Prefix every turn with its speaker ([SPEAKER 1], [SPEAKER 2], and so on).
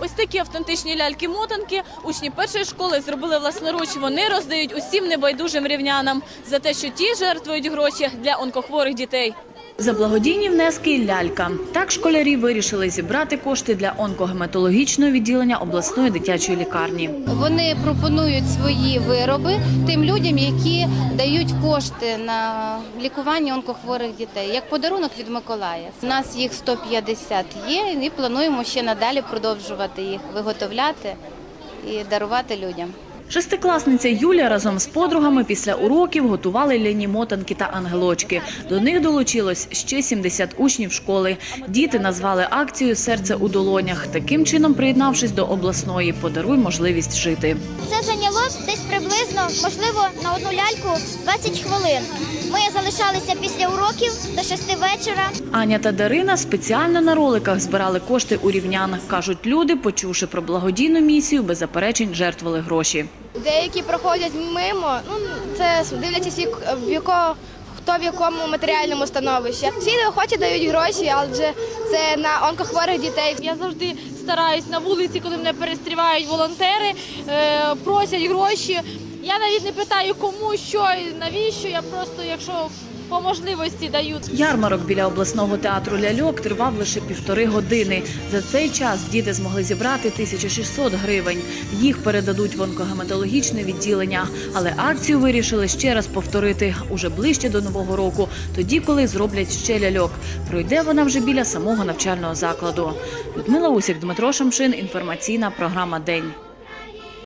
[SPEAKER 1] Ось такі автентичні ляльки-мотанки учні першої школи зробили власноруч. Вони роздають усім небайдужим рівнянам за те, що ті жертвують гроші для онкохворих дітей. За благодійні внески лялька. Так школярі вирішили зібрати кошти для онкогематологічного відділення обласної дитячої лікарні.
[SPEAKER 2] Вони пропонують свої вироби тим людям, які дають кошти на лікування онкохворих дітей, як подарунок від Миколая. У нас їх 150 є і плануємо ще надалі продовжувати їх виготовляти і дарувати людям.
[SPEAKER 1] Шестикласниця Юля разом з подругами після уроків готували ляні мотанки та ангелочки. До них долучилось ще 70 учнів школи. Діти назвали акцію «Серце у долонях». Таким чином, приєднавшись до обласної «Подаруй можливість жити».
[SPEAKER 3] Це зайняло десь приблизно, можливо, на одну ляльку 20 хвилин. Ми залишалися після уроків до 6 вечора.
[SPEAKER 1] Аня та Дарина спеціально на роликах збирали кошти у рівнян. Кажуть, люди, почувши про благодійну місію, без заперечень жертвували гроші.
[SPEAKER 4] Деякі проходять мимо, це дивлячись, хто в якому матеріальному становищі. Всі охочі дають гроші, адже це на онкохворих дітей.
[SPEAKER 5] Я завжди стараюсь на вулиці, коли мене перестрівають волонтери, просять гроші. Я навіть не питаю, кому, що і навіщо, я просто, якщо по можливості дають.
[SPEAKER 1] Ярмарок біля обласного театру ляльок тривав лише 1,5 години. За цей час діти змогли зібрати 1600 гривень. Їх передадуть в онкогематологічне відділення. Але акцію вирішили ще раз повторити уже ближче до Нового року, тоді, коли зроблять ще ляльок. Пройде вона вже біля самого навчального закладу. Людмила Усік, Дмитро Шамшин, інформаційна програма «День».